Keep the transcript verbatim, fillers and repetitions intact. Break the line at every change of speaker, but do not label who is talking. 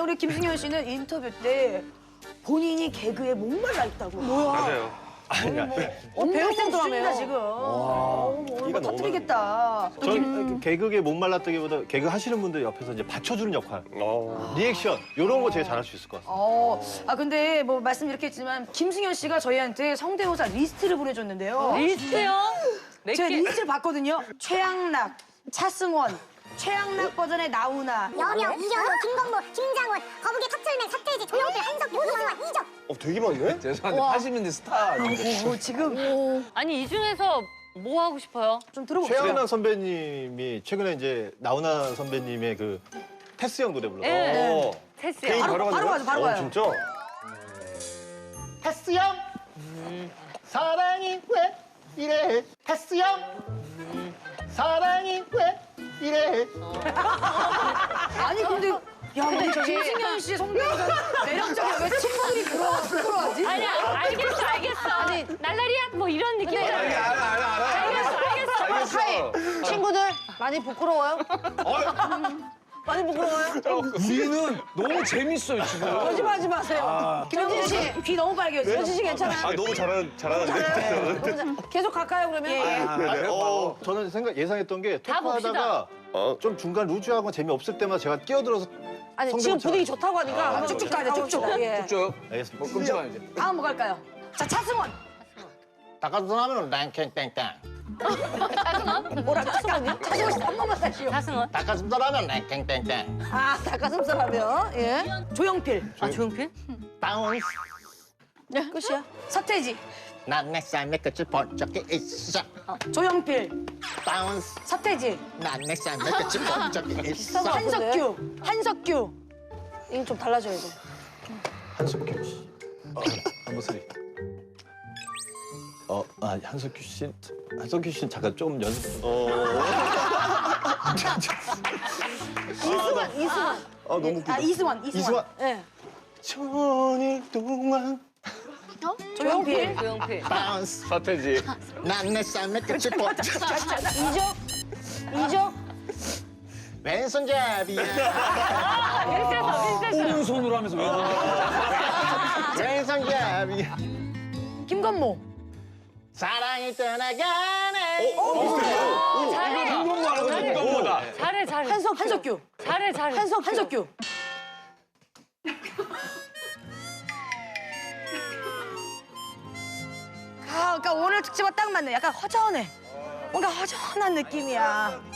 우리 김승현 씨는 인터뷰 때 본인이 개그에 목말라 있다고. 뭐야?
맞아요.
어, 배우고 들어가면 지금. 어, 뭐
끼가
이거
너무
터뜨리겠다.
전 개그에 목말랐다기보다 개그 하시는 분들 옆에서 이제 받쳐주는 역할,
어.
리액션 이런 거 제일 잘할 수 있을 것 같아요.
어, 아 근데 뭐 말씀 이렇게 했지만 김승현 씨가 저희한테 성대모사 리스트를 보내줬는데요.
리스트요? 몇
제가
개?
리스트를 봤거든요. 최양락, 차승원, 최양락 버전의 나훈아.
여명, 이현우, 김건모, 김장훈, 거북이 탑철맨, 서태지, 조영필, 한석규, 오승환, 이적.
어, 되게 많네?
죄송한데 팔십 년대 스타 아니에요?
오, 지금
아니 이 중에서 뭐 하고 싶어요?
좀 들어봅시다.
최양락 선배님이 최근에 이제 나훈아 선배님의 그 테스 형 노래 불렀어요.
네.
어.
테스요.
개인
바로, 바로 가죠, 바로
어,
가요.
진짜?
테스 형, 사랑이 왜 이래? 테스 형, 사랑이 왜 이래?
아니 근데 야 근데 김승현 씨 성대모사 매력적이야. 왜 친구들이 부러워, 부러워하지?
아니야 알겠어 알겠어. 아니 날라리야 뭐 이런 느낌.
알아 알아 알아.
알겠어 알겠어.
알겠어.
하이 친구들 많이 부끄러워요? 많이 부끄러워요?
우리는 너무 재밌어요 지금.
거짓말하지 마세요. 김현진 씨 귀 너무 빨개졌어요. 현진 씨 괜찮아요?
아, 너무 잘하는, 잘하는데?
계속 갈까요 그러면? 예, 예.
아, 네. 어, 저는 생각 예상했던 게
다
토크하다가
어.
좀 중간 루즈하고 재미없을 때마다 제가 끼어들어서
아니
성대모사.
지금 분위기 좋다고 하니까 쭉쭉 가야 돼 쭉쭉. 예.
쭉.
알겠습니다.
뭐 끊지 마 이제.
다음 뭐 갈까요? 자 차승원.
닭가슴살 하면 랭캥땡땡.
뭐라 차승원이요? 차승원 씨 한 번만 다시요.
자승원.
닭가슴살 하면 랭캥땡땡.
아 닭가슴살 하면 예. 조영필.
아 조용필?
다운스.
네 끝이야. 서태지.
난 내 삶의 끝을 본 적이 있어.
조영필.
다운스.
서태지.
난 내 삶의 끝을 본 적이 있어.
한석규. 한석규. 이건 좀 달라져야 돼.
한석규 씨. 어, 한번 소리. 어, 아 한석규 씨, 한석규 씨는 잠깐 좀 연습. 어.
이승환. 이승환.
아 너무 웃기다.
아 이승환. 이승환.
이승환.
예.
천일 동안
조영필.
조용필.
바운스.
서태지.
난 내 삶의 끝을 본 적이
이적. 이적.
왼손잡이야.
비슷했어 비슷했어.
오른손으로 하면서 왜?
왼손잡이야.
김건모.
사랑이 떠나가네.
어,
잘해.
김건모 알아서 김건모다.
잘해 잘해.
한석 한석규.
잘해 잘해.
한석 한석규. 아, 그러니까 오늘 특집과 딱 맞네. 약간 허전해. 뭔가 허전한 느낌이야.